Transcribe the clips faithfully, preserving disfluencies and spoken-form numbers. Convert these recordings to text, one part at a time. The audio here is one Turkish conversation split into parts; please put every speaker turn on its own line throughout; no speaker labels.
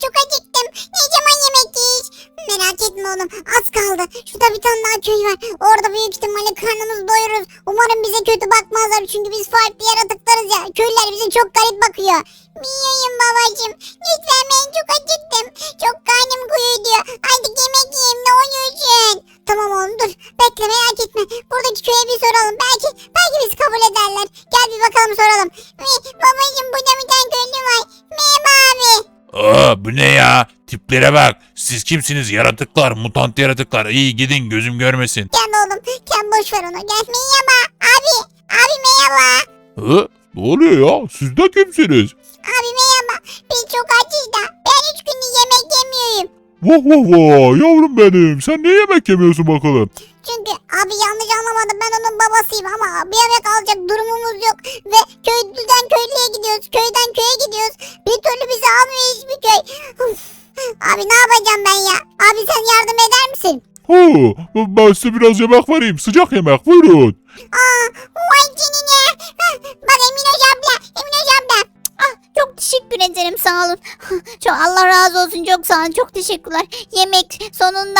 çok acıktım. Ne zaman yemek yiyiz? Merak etme oğlum, az kaldı. Şurada bir tane daha köy var. Orada büyük ihtimalle karnımızı doyururuz. Umarım bize kötü bakmazlar çünkü biz farklı yaratıklarız ya. Köylüler bize çok garip bakıyor. Miyayım babacığım. Lütfen, ben çok acıktım. Çok karnım diyor. Artık yemek yiyeyim, ne oluyorsun? Tamam oğlum, dur. Bekle, merak etme. Buradaki köye bir soralım. Belki belki bizi kabul ederler. Gel bir bakalım, soralım. Babacığım, burada bir tane köylü var. Merhaba abi.
Aa, bu ne ya? Tiplere bak. Siz kimsiniz? Yaratıklar, mutant yaratıklar. İyi gidin, gözüm görmesin.
Gel oğlum, sen boş ver onu. Gel, merhaba. Abi, abi merhaba.
Hı? Ne oluyor ya? Siz de kimsiniz?
Abi merhaba. Biz çok açız da. Ben üç gündür yemek yemiyorum.
Vah vah vah yavrum benim. Sen ne yemek yemiyorsun bakalım?
Çünkü abi yanlış anlamadım, ben onun babasıyım ama bir yemek alacak durumumuz yok. Ve köylüden köylüye gidiyoruz. Köyden köye gidiyoruz. Bir türlü bizi almıyor hiçbir köy. Uf. Abi ne yapacağım ben ya? Abi sen yardım eder misin?
Ha, ben size biraz yemek vereyim. Sıcak yemek, buyurun.
Aa, vay canına. Bak Emine abla, Emine abla.
Ah, çok teşekkür ederim, sağ olun. Çok Allah razı olsun, çok sağ olun, çok teşekkürler. Yemek sonunda.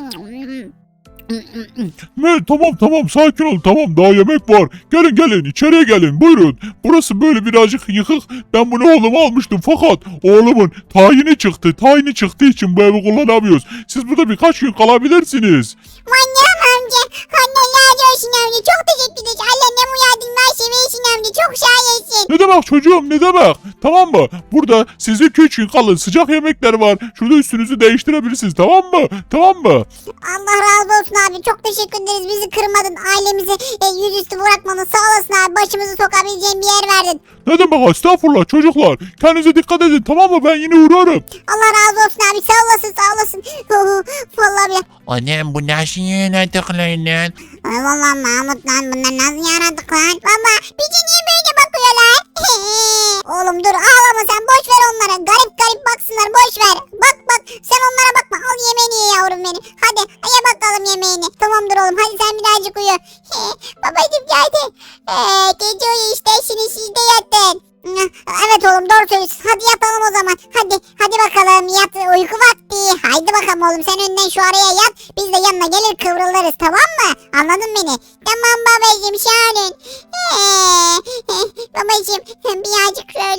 Ne, tamam tamam sakin ol, tamam daha yemek var. Gelin gelin içeriye gelin, buyurun. Burası böyle birazcık yıkık. Ben bunu oğluma almıştım fakat oğlumun tayini çıktı. Tayini çıktığı için bu evi kullanamıyoruz. Siz burada birkaç gün kalabilirsiniz.
Manyak amca. Allah razı olsun amca. Çok teşekkür ederiz. Allah ne mu yardımlar seversin amca. Çok şahisin.
Ne demek çocuğum, ne demek? Tamam mı? Burada sizin üç gün kalın, sıcak yemekler var. Şurada üstünüzü değiştirebilirsiniz, tamam mı? Tamam mı?
Allah razı olsun abi. Çok teşekkür ederiz. Bizi kırmadın. Ailemizi e, yüzüstü bırakmadın. Sağ olasın abi. Başımızı sokabileceğin bir yer verdin.
Ne demek, estağfurullah çocuklar. Kendinize dikkat edin, tamam mı? Ben yine uğrarım.
Allah razı olsun abi. Sağ olasın, sağ olasın. Vallahi bile.
Annem bu nasıl yaratıklarından?
Ay vallahi Mahmut lan, bunlar nasıl yaradık lan? Baba bizi niye böyle bakıyorlar? Oğlum dur, ağlama sen, boş ver onlara. Garip garip baksınlar, boş ver. Bak bak, sen onlara bakma. Al yemeğini ye yavrum benim. Hadi ye bakalım yemeğini. Tamamdır oğlum, hadi sen birazcık uyu. Babacım geldi. Ee, gece uyu işte, şimdi siz de yatın. Evet oğlum, doğru söylüyorsun. Hadi yatalım o zaman. Hadi hadi bakalım, yat, uyku vakti. Haydi bakalım oğlum, sen önden şu araya yat. Biz de yanına gelir kıvrılırız, tamam mı? Anladın beni? Tamam babacığım, şahanın. Babacığım birazcık şöyle.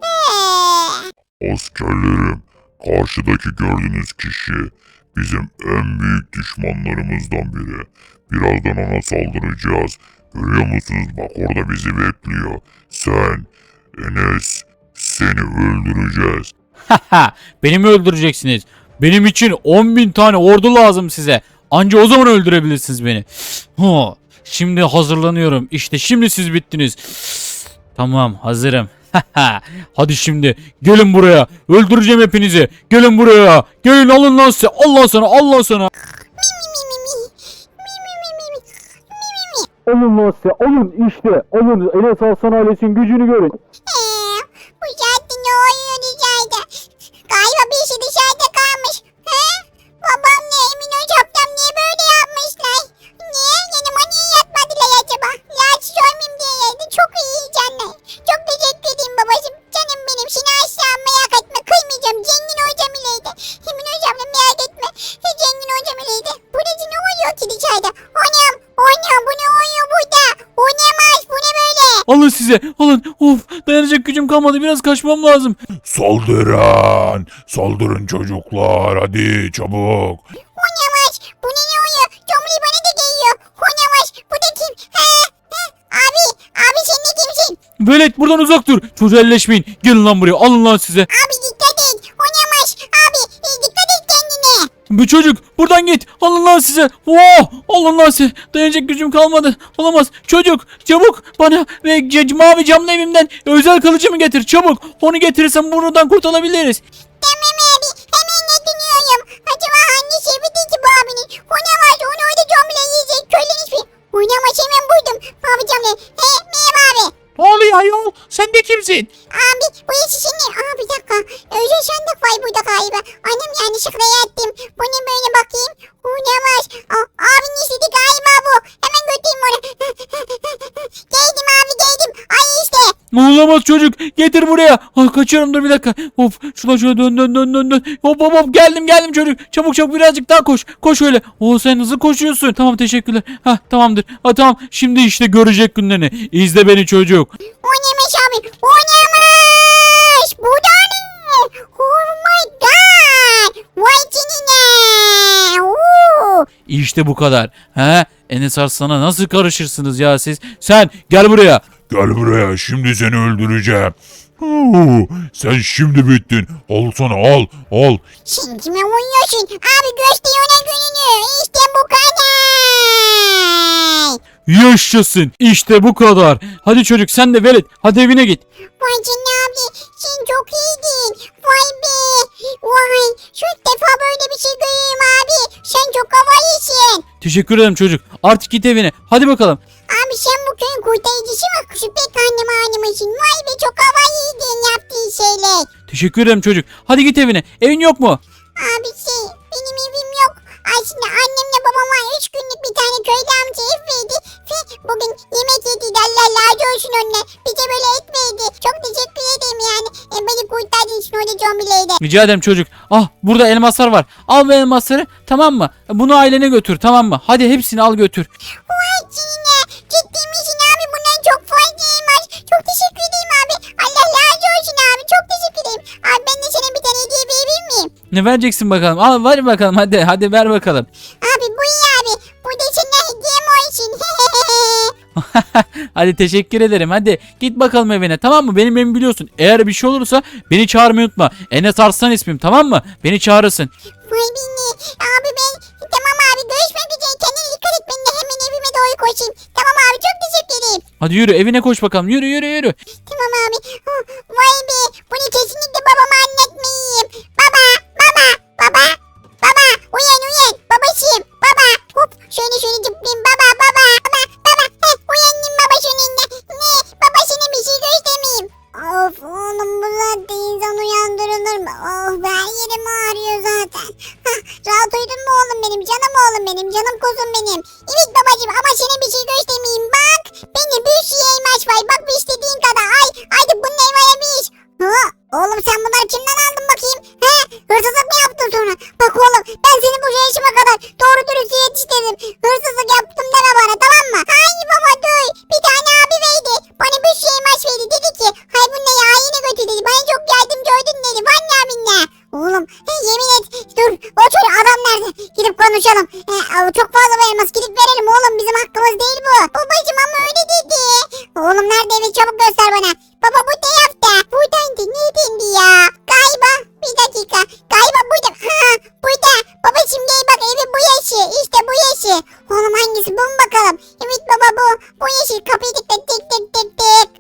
Askerlerim, karşıdaki gördüğünüz kişi bizim en büyük düşmanlarımızdan biri. Birazdan ona saldıracağız. Görüyor musunuz? Bak orada bizi bekliyor. Sen, Enes, seni öldüreceğiz.
Haha, beni mi öldüreceksiniz? Benim için on bin tane ordu lazım size. Anca o zaman öldürebilirsiniz beni. Ha, şimdi hazırlanıyorum. İşte şimdi siz bittiniz. Tamam, hazırım. Hadi şimdi gelin buraya. Öldüreceğim hepinizi. Gelin buraya. Gelin, alın lan size. Allah sana, Allah sana.
Alın lan size, alın işte, alın. Enes Arslan ailesinin gücünü görün.
Bu saatte ne oluyor dışarıda? Galiba bir işi dışarıda kalmış. He? Babam ne, Emin hocam niye böyle yapmışlar? Niye? Yanıma niye yatmadılar acaba? Rahatsız olmayayım diye geldi. Çok iyi canlar. Çok teşekkür edeyim babacığım. Canım benim. Seni asla merak etme. Kıymayacağım. Zengin hocam ileydi. Emin hocamla merak etme. Zengin hocam ileydi. Burası ne oluyor ki dışarıda? Anam. Anam, bu ne oluyor burada? O ne maç? Bu ne böyle?
Alın size, alın. Of, dayanacak gücüm kalmadı. Biraz kaçmam lazım.
Saldırın. Saldırın çocuklar. Hadi çabuk.
O ne maç? Bu ne ne oluyor? Tomri bana da geliyor. O ne maç? Bu da kim? He? He? Abi, abi sen de kimsin?
Velet, buradan uzak dur. Çocuğa elleşmeyin. Gelin lan buraya. Alın lan size.
Abi dikkat et. O ne maç? Abi e, dikkat et kendine.
Bu çocuk, buradan git. Alın lan size. Oh, alın lan size. Dayanacak gücüm kalmadı. Olamaz. Çocuk, çabuk bana ve c- mavi camlı evimden özel kılıcımı getir. Çabuk. Onu getirirsem buradan kurtulabiliriz.
Tamam abi, hemen ne dinliyorum? Acaba hangi şerbeti ki bu abinin? O ne maç? Onu orada Tomri'yle yiyecek. Köylen hiçbir. O ne maç, hemen buydum. Abi camlı. He, merhaba abi.
Ne oluyor ayol? Sen de kimsin?
Abi bu işi şimdi... Aa bir dakika. Özel sandık var burada galiba. Annem yanlışlıkla yattım. Bu ne böyle bakayım? Uyuyamaz. Aa, abinin istedi galiba bu. Hemen götüreyim onu. Geldim abi, geldim. Ay işte.
Olamaz çocuk. Getir buraya. Ah, kaçıyorum, dur bir dakika. Hop şuradan şöyle dön dön dön dön dön. Hop hop hop, geldim geldim çocuk. Çabuk çabuk, birazcık daha koş. Koş öyle. Oo, sen hızlı koşuyorsun. Tamam, teşekkürler. Ha, tamamdır. Ha, tamam. Şimdi işte görecek günlerini. İzle beni çocuk.
O neymiş abi? O neymiş? Bu da ne? Oh my god. Vay canına. Oo.
İşte bu kadar. He? Enes Arslan'a nasıl karışırsınız ya siz? Sen gel buraya.
Gel buraya, şimdi seni öldüreceğim. Huu, sen şimdi bittin. Al sana, al al.
Sen kime uyuyorsun? Abi göster ona gününü. İşte bu kadar.
Yaşasın. İşte bu kadar. Hadi çocuk, sen de velet. Hadi evine git.
Vay canına abi. Sen çok iyiydin. Vay be. Vay. Şu ilk defa böyle bir şey görüyorum abi. Sen çok havalısın.
Teşekkür ederim çocuk. Artık git evine. Hadi bakalım.
Abi sen bu köyün kurtarıcısı mı? Şu pek anneme animasın. Vay be çok havalıydın yaptığın şeyler.
Teşekkür ederim çocuk. Hadi git evine. Evin yok mu?
Abi şey benim evim yok. Aslında annemle babama üç günlük bir tane köyde amca ev verdi. Ve bugün yemek yedi. Allah razı olsun onunla. Bize böyle et verdi. Çok teşekkür ederim yani. E, beni kurtardığın için orada zombileydi.
Rica ederim çocuk. Ah, burada elmaslar var. Al bu elmasları, tamam mı? Bunu ailene götür, tamam mı? Hadi hepsini al götür.
Vay canına. Ciddi misin abi? Bundan çok faydaymış. Çok teşekkür ederim abi. Allah razı olsun abi. Çok teşekkür ederim. Abi ben de sana bir tane hediye verebilir miyim?
Ne vereceksin bakalım? Al, ver bakalım, hadi. Hadi ver bakalım.
Abi bu iyi abi. Bu da sana hediyem olsun.
Hadi, teşekkür ederim. Hadi git bakalım evine, tamam mı? Benim evimi biliyorsun. Eğer bir şey olursa beni çağırmayı unutma. Enes Arslan ismim, tamam mı? Beni çağırırsın.
Vay beni. Abi ben tamam abi görüşmek üzere. Kendine dikkat et. Ben de hemen evime doğru koşayım. Tamam abi çok teşekkür ederim.
Hadi yürü, evine koş bakalım. Yürü yürü yürü.
Tamam abi. Huh, vay be. Bunu kesinlikle babama anlatmayayım. Baba. Baba. Baba. Baba. Uyan uyan. Babacığım. Baba. Hop. Şöyle şöyle zıplayayım. Baba. Baba. Baba. Baba. Heh, uyandım baba sonunda. Ne? Baba sana bir şey göstermeyeyim. Of oğlum bu saatte insan uyandırılır mı? Oh be yerim ağrıyor zaten. Hah, rahat uyudun mu oğlum benim? Canım oğlum benim. Canım kuzum benim. Evet babacığım ama sana bir şey göstermeyeyim. Bak. Benim bir şey elmas var. Bak bir istediğin kadar. Ay. Haydi bunun elmaya bir. Ha, oğlum sen bunları kimden aldın bakayım? He? Hırsızlık mı yaptın sonra? Bak oğlum ben seni bu yaşıma kadar doğru dürüst yetiştirdim. Hırsızlık yaptım deme bana tamam mı? Hayır baba dur. Bir tane abi verdi. Bana bir şey elmas verdi. Dedi ki hay bu ne ya yine götür dedi. Bana çok yardımcı oldun dedi. Vanya minne. Oğlum he, yemin et. Dur o çocuk adam nerede? Gidip konuşalım. He, av- çok fazla bir elmas gidip verelim oğlum. Bizim hakkımız değil bu. Babacım ama öyle dedi. Oğlum nerede evi çabuk göster bana. Baba bu ne yaptı? Buradaydı. Neredeydi ya? Galiba. Bir dakika. Galiba burada. Ha burada. Babacım gel bak evi bu yaşı. İşte bu yaşı. Oğlum hangisi bu mu bakalım? Evet baba bu. Bu yaşı. Kapıyı tık tık tık tık tık tık.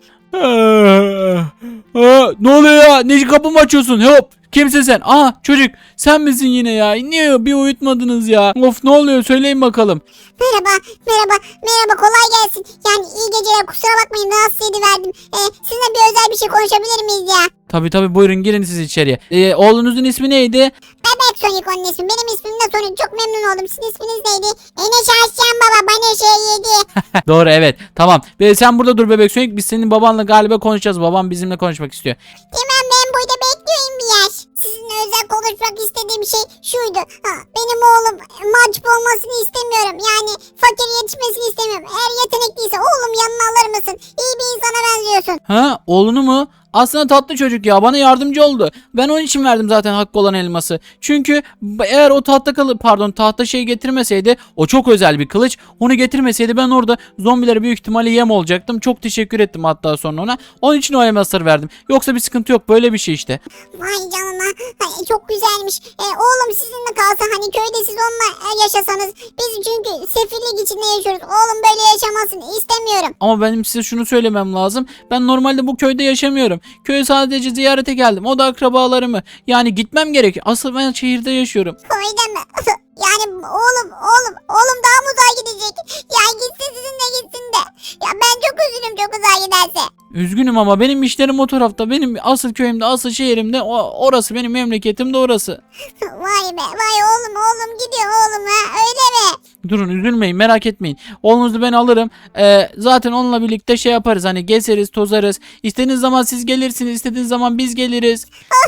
Aa, ne oluyor ya? Ne kapımı açıyorsun? Hop. Kimsin sen? Aa, çocuk. Sen misin yine ya? Niye bir uyutmadınız ya? Of, ne oluyor? Söyleyin bakalım.
Merhaba, merhaba, merhaba kolay gelsin. Yani iyi geceler kusura bakmayın rahatsız ediverdim. Ee, sizinle bir özel bir şey konuşabilir miyiz ya?
Tabii tabii, buyurun girin siz içeriye. Ee, oğlunuzun ismi neydi?
Bebek Sonic onun ismi. Benim ismim de Sonic. Çok memnun oldum. Sizin isminiz neydi? Enes Arslan baba bana şey yedi.
Doğru, evet. Tamam. Ve sen burada dur bebek Sonic. Biz senin babanla galiba konuşacağız. Babam bizimle konuşmak istiyor.
Tamam ben burada bekliyorum bir yaş. Sizinle özel konuşmak istediğim şey şuydu. Ha, benim oğlum mahcup olmasını istemiyorum. Yani fakir yetişmesini istemiyorum. Eğer yetenekliyse oğlum yanına alır mısın? İyi bir insana benziyorsun.
Ha, oğlunu mu? Aslında tatlı çocuk ya, bana yardımcı oldu. Ben onun için verdim zaten hakkı olan elması. Çünkü eğer o tahta kalı pardon tahta şey getirmeseydi, o çok özel bir kılıç. Onu getirmeseydi ben orada zombilere büyük ihtimalle yem olacaktım. Çok teşekkür ettim hatta sonra ona. Onun için o elmasları verdim. Yoksa bir sıkıntı yok, böyle bir şey işte.
Vay canına. Ay, çok güzelmiş. E, oğlum sizinle kalsa hani köyde siz onunla e, yaşasanız. Biz çünkü sefillik içinde yaşıyoruz. Oğlum böyle yaşamasını istemiyorum.
Ama benim size şunu söylemem lazım. Ben normalde bu köyde yaşamıyorum. Köye sadece ziyarete geldim. O da akrabalarımı. Yani gitmem gerek. Asıl ben şehirde yaşıyorum.
Köyde mi? Yani oğlum oğlum oğlum daha mı uzağa gidecek? Ya gitsin sizinle gitsin de. Ya ben çok üzülürüm çok uzağa giderse.
Üzgünüm ama benim işlerim o tarafta. Benim asıl köyümde, asıl şehrimde. O, orası benim memleketim de orası.
Vay be vay oğlum oğlum gidiyor oğlum ha öyle mi?
Durun, üzülmeyin, merak etmeyin. Oğlunuzu ben alırım. Ee, zaten onunla birlikte şey yaparız, hani gezeriz, tozarız. İstediğiniz zaman siz gelirsiniz, istediğiniz zaman biz geliriz.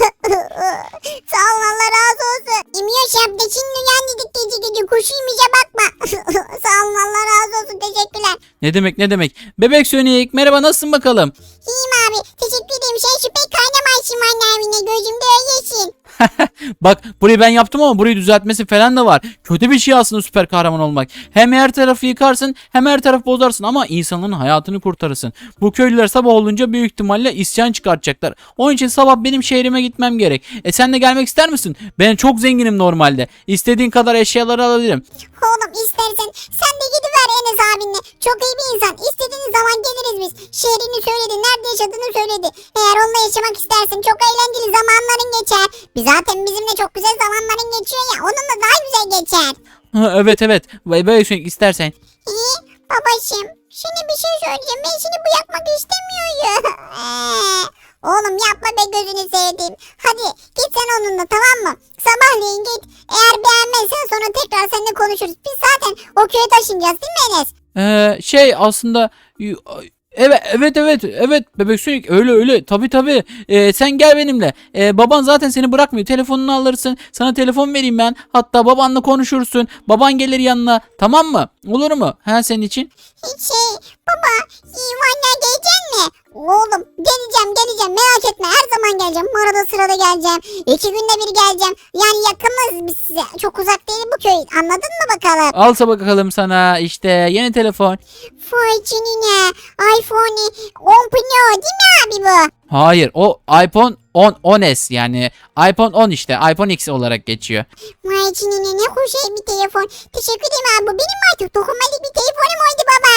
Sağ olun Allah razı olsun. İmiyor şapta şimdi uyandık gece gece kuşuymuza bakma. Sağ olun Allah razı olsun teşekkürler.
Ne demek ne demek. Bebek Sonic, merhaba, nasılsın bakalım?
İyiyim abi teşekkür ederim. Sen şu pek kaynamaysın anne evine gözümde öylesin.
Bak, burayı ben yaptım ama burayı düzeltmesi falan da var. Kötü bir şey aslında süper kahraman olmak. Hem her tarafı yıkarsın hem her tarafı bozarsın ama insanların hayatını kurtarırsın. Bu köylüler sabah olunca büyük ihtimalle isyan çıkartacaklar. Onun için sabah benim şehrime gitmem gerek. E sen de gelmek ister misin? Ben çok zenginim normalde. İstediğin kadar eşyaları alabilirim.
Oğlum istersen sen de gidiver Enes abinle. Çok iyi bir insan. İstediğiniz zaman geliriz biz. Şehrini söyledi, nerede yaşadığını söyledi. Eğer onunla yaşamak istersen çok eğlenceli zamanların geçer. Biz zaten bizimle çok güzel zamanların geçiyor ya. Onunla daha güzel geçer.
Ha, evet evet. Bebek Sonic, istersen.
İyi babacığım. Şimdi bir şey söyleyeceğim. Ben seni bırakmak istemiyorum. Ee, Oğlum yapma be gözünü sevdiğim. Hadi git sen onunla tamam mı? Sabahleyin git. Eğer beğenmezsen sonra tekrar seninle konuşuruz. Biz zaten o köye taşınacağız değil mi Enes?
Ee, şey aslında evet evet evet evet Bebek Sonic, öyle öyle tabi tabi. Ee, sen gel benimle. Ee, baban zaten seni bırakmıyor, telefonunu alırsın, sana telefon vereyim ben, hatta babanla konuşursun, baban gelir yanına, tamam mı, olur mu ha senin için?
Şey baba iyi anne gelecek mi? Oğlum geleceğim geleceğim merak etme her zaman geleceğim. Arada sırada geleceğim. İki günde bir geleceğim. Yani yakınız biz size. Çok uzak değil bu köy. Anladın mı bakalım?
Alsa bakalım sana işte yeni telefon.
Vay canına. iPhone on Pro değil mi abi bu?
Hayır, o iPhone on on S, yani iPhone on, işte iPhone X olarak geçiyor.
Vay canına ne hoş bir telefon. Teşekkür ederim abi. Bu benim artık dokunmatik bir telefonum oldu baba.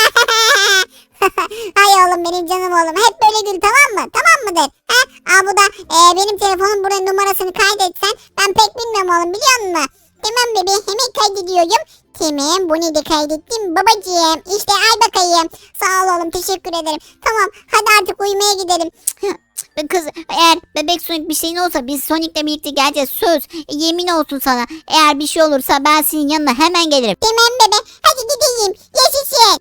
Hay oğlum benim canım oğlum. Hep böyle gül tamam mı? Tamam mıdır? Ha? Aa bu da e, benim telefonum buraya numarasını kaydetsen. Ben pek bilmiyorum oğlum biliyor musun? Tamam bebeğim hemen kaydediyorum. Tamam bunu da kaydettim babacığım. İşte al bakayım. Sağ ol oğlum teşekkür ederim. Tamam hadi artık uyumaya gidelim.
Be- Kız, eğer Bebek Sonic bir şeyin olsa biz Sonic'le birlikte geleceğiz, söz. E, yemin olsun sana, eğer bir şey olursa ben senin yanına hemen gelirim.
Tamam bebe hadi gideyim. Yaşasın.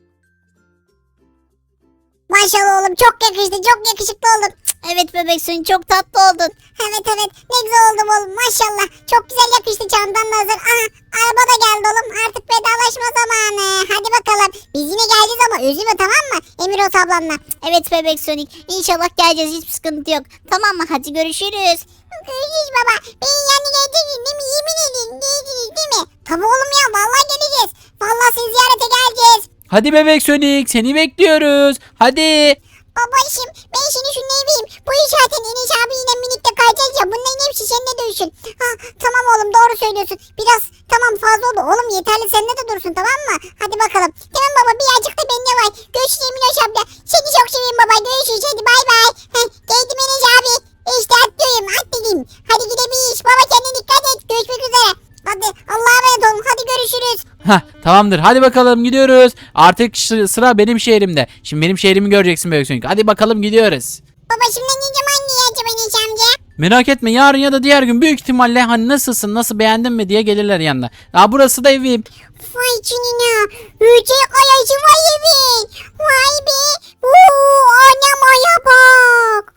Maşallah oğlum çok yakıştı çok yakışıklı oldun.
Evet Bebek Sonic, çok tatlı oldun.
Evet evet ne güzel oldum oğlum maşallah. Çok güzel yakıştı çantan da hazır. Aha araba da geldi oğlum artık vedalaşma zamanı. Hadi bakalım biz yine geleceğiz ama üzülme tamam mı Emiroz ablamla.
Evet Bebek Sonic, İnşallah geleceğiz, hiçbir sıkıntı yok. Tamam mı, hadi görüşürüz.
Görüşürüz baba. Benim yanına geleceksin değil mi? Yemin edin geleceksiniz değil mi? Tabii oğlum ya vallahi geleceğiz. Vallahi sizi ziyarete geleceğiz.
Hadi Bebek Sonic, seni bekliyoruz. Hadi.
Babacım ben şimdi şunu vereyim. Bu iş zaten Enes abiyle birlikte kayacağız ya. Bunların hepsi seninle dövüşün. Ha tamam oğlum doğru söylüyorsun. Biraz tamam fazla oldu. Oğlum yeterli seninle de dursun tamam mı? Hadi bakalım. Tamam baba birazcık da bende var. Görüşürüz Enes abla. Seni çok seviyorum baba. Görüşürüz hadi bay bay. Heh, geldim Enes abi. İşte atlıyorum atladım. Hadi gidebiliriz. Baba kendine dikkat et. Görüşmek üzere. Hadi Allah'a emanet olun. Hadi görüşürüz.
Hah, tamamdır, hadi bakalım gidiyoruz. Artık ş- sıra benim şehrimde. Şimdi benim şehrimi göreceksin Bebek Sonic. Hadi bakalım gidiyoruz.
Baba şimdi ne zaman diyeceğim Enes amca?
Merak etme, yarın ya da diğer gün büyük ihtimalle hani nasılsın, nasıl, beğendin mi diye gelirler yanına. Aa, burası da evim.
Vay canına. Yüce kayası var evin. Vay be. Uuu anam aya bak.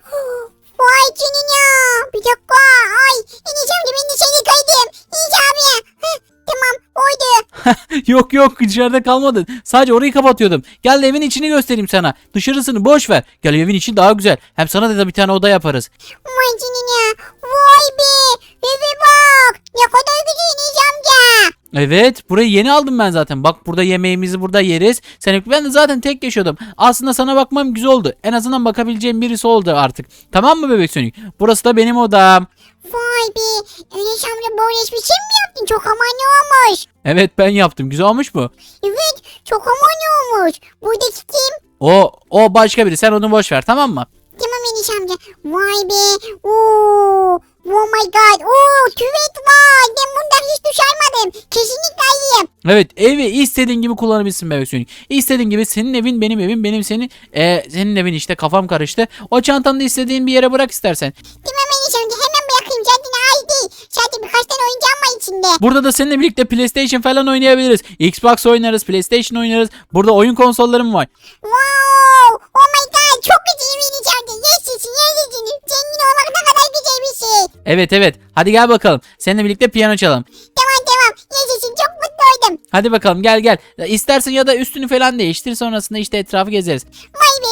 Vay canına. Bir dakika. Ay. Enes amca ben de seni kaydım. Enes abi. Heh, tamam oydu.
Yok yok, dışarıda kalmadın. Sadece orayı kapatıyordum. Gel de evin içini göstereyim sana. Dışarısını boş ver. Gel, evin içi daha güzel. Hem sana da bir tane oda yaparız.
Vay canına. Vay be. Eve bak. Ne kadar güzel Enes amca.
Evet, burayı yeni aldım ben zaten. Bak, burada yemeğimizi burada yeriz. Sen ben de zaten tek yaşıyordum. Aslında sana bakmam güzel oldu. En azından bakabileceğim birisi oldu artık. Tamam mı Bebek Sonic? Burası da benim odam.
Vay be. Enes amca böyle hiçbir şey mi yaptın? Çok aman olmuş.
Evet, ben yaptım. Güzel olmuş mu?
Evet. Çok aman olmuş. Buradaki kim?
O o başka biri. Sen onu boş ver, tamam mı?
Tamam Enes amca. Vay be. Oo. Oh my god. Oo tüvet var. Ben bundan hiç duş almadım. Kesinlikle alayım.
Evet, evi istediğin gibi kullanabilirsin bebek Sonic. İstediğin gibi, senin evin benim evim, benim senin e, senin evin, işte kafam karıştı. O çantanı da istediğin bir yere bırak istersen.
Tamam Enes amca hemen bırakayım. Zaten ait değil. Zaten birkaç tane oyuncağım var içinde.
Burada da seninle birlikte PlayStation falan oynayabiliriz. Xbox oynarız, PlayStation oynarız. Burada oyun konsollarım var.
Wow. Oh my god. Çok güzel Enes amca. Yaşasın yaşasın. Zengin olmak ne kadar güzel bir şey.
Evet evet. Hadi gel bakalım. Seninle birlikte piyano çalalım.
Tamam tamam. Yaşasın. Çok mutlu oldum.
Hadi bakalım, gel gel. İstersen ya da üstünü falan değiştir, sonrasında işte etrafı gezeriz.
Vay